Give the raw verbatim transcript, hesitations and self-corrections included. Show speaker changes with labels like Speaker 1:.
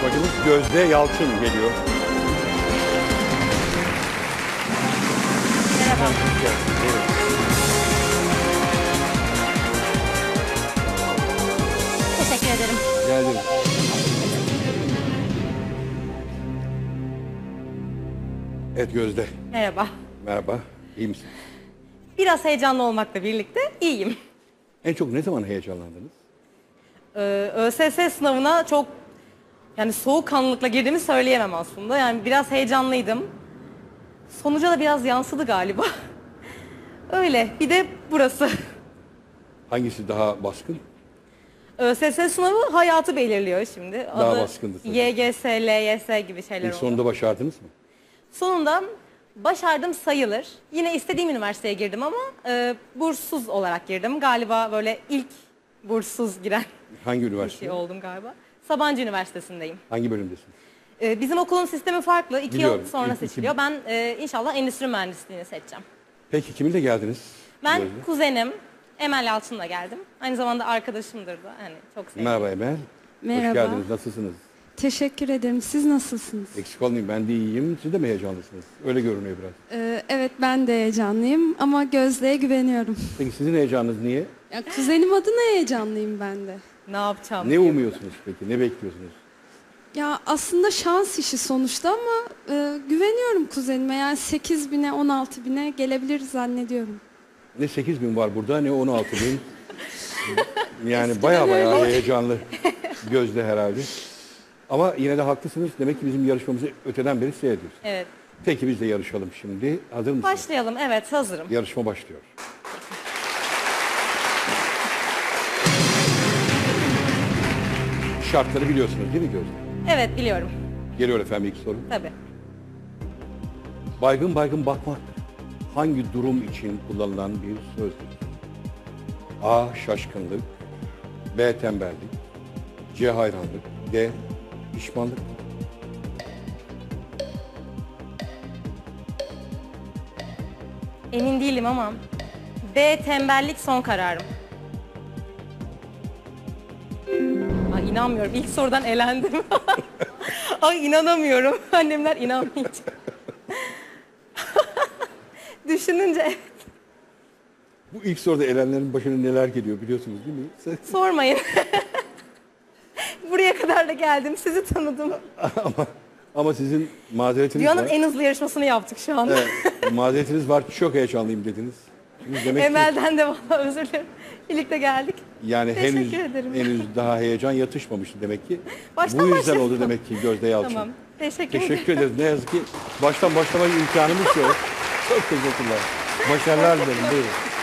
Speaker 1: yarışmacımız Gözde Yalçın geliyor.
Speaker 2: Merhaba. Teşekkür ederim.
Speaker 1: Geldim. Evet Gözde.
Speaker 2: Merhaba.
Speaker 1: Merhaba. İyi misin?
Speaker 2: Biraz heyecanlı olmakla birlikte iyiyim.
Speaker 1: En çok ne zaman heyecanlandınız?
Speaker 2: Ee, ÖSS sınavına çok yani soğukkanlılıkla girdiğimi söyleyemem aslında. Yani biraz heyecanlıydım. Sonuca da biraz yansıdı galiba. Öyle. Bir de burası.
Speaker 1: Hangisi daha baskın?
Speaker 2: ÖSS sınavı hayatı belirliyor şimdi.
Speaker 1: Daha
Speaker 2: Adı
Speaker 1: baskındı tabii.
Speaker 2: Y G S, L Y S gibi şeyler
Speaker 1: İlk
Speaker 2: oldu.
Speaker 1: sonunda başardınız mı?
Speaker 2: Sonunda başardım sayılır. Yine istediğim üniversiteye girdim ama e, burssuz olarak girdim. Galiba böyle ilk burssuz giren
Speaker 1: Hangi
Speaker 2: bir
Speaker 1: üniversite?
Speaker 2: şey oldum galiba. Sabancı Üniversitesi'ndeyim.
Speaker 1: Hangi bölümdesin?
Speaker 2: E, bizim okulun sistemi farklı. İki
Speaker 1: Biliyorum.
Speaker 2: yıl sonra
Speaker 1: İlk iki-
Speaker 2: seçiliyor. Ben e, inşallah endüstri mühendisliğini seçeceğim.
Speaker 1: Peki kiminle geldiniz?
Speaker 2: Ben
Speaker 1: Gözde?
Speaker 2: kuzenim Emel Yalçın'la geldim. Aynı zamanda arkadaşımdır da. Hani çok sevdiğim.
Speaker 1: Merhaba Emel.
Speaker 3: Merhaba.
Speaker 1: Hoş geldiniz. Nasılsınız?
Speaker 3: Teşekkür ederim. Siz nasılsınız?
Speaker 1: Eksik olmayın, ben de iyiyim. Siz de mi heyecanlısınız? Öyle görünüyor biraz.
Speaker 3: Ee, evet ben de heyecanlıyım ama Gözde'ye güveniyorum.
Speaker 1: Peki sizin heyecanınız niye?
Speaker 3: Ya, kuzenim adına heyecanlıyım ben de.
Speaker 2: Ne yapacağım?
Speaker 1: Ne
Speaker 2: diye.
Speaker 1: umuyorsunuz peki? Ne bekliyorsunuz?
Speaker 3: Ya aslında şans işi sonuçta ama e, güveniyorum kuzenime. Yani sekiz bine on altı bine gelebilir zannediyorum.
Speaker 1: Ne sekiz bin var burada ne on altı bin. Yani baya baya
Speaker 3: öyle.
Speaker 1: heyecanlı Gözde herhalde. Ama yine de haklısınız. Demek ki bizim yarışmamızı öteden beri seyrediyorsunuz.
Speaker 2: Evet.
Speaker 1: Peki biz de yarışalım şimdi. Hazır mısınız?
Speaker 2: Başlayalım. Evet, hazırım.
Speaker 1: Yarışma başlıyor. Şartları biliyorsunuz değil mi Gözde?
Speaker 2: Evet, biliyorum.
Speaker 1: Geliyor efendim ilk soru.
Speaker 2: Tabii.
Speaker 1: Baygın baygın bakmak hangi durum için kullanılan bir sözdür? A. Şaşkınlık. B. Tembellik. C. Hayranlık. D. Pişmanlık.
Speaker 2: Emin değilim ama B tembellik son kararım. Ay inanmıyorum. İlk sorudan elendim. Ay inanamıyorum. Annemler inanmayacak. Düşününce evet.
Speaker 1: Bu ilk soruda elenlerin başına neler geliyor biliyorsunuz değil mi? Siz-
Speaker 2: Sormayın. Buraya kadar da geldim. Sizi tanıdım.
Speaker 1: ama ama sizin mazeretiniz
Speaker 2: Dünyanın
Speaker 1: var.
Speaker 2: en hızlı yarışmasını yaptık şu anda.
Speaker 1: Evet, mazeretiniz var. Çok heyecanlıyım dediniz. Şimdi demek ki
Speaker 2: Emel'den de valla özür dilerim. Birlikte geldik.
Speaker 1: yani
Speaker 2: Teşekkür
Speaker 1: henüz
Speaker 2: ederim.
Speaker 1: henüz daha heyecan yatışmamıştı demek ki.
Speaker 2: Baştan
Speaker 1: Bu yüzden
Speaker 2: başlayalım.
Speaker 1: oldu demek ki Gözde Yalçın.
Speaker 2: Tamam. Teşekkür,
Speaker 1: Teşekkür
Speaker 2: ederim.
Speaker 1: ederiz. Ne yazık ki baştan başlama imkanımız yok. Çok teşekkürler. Başarılar dilerim. Buyurun.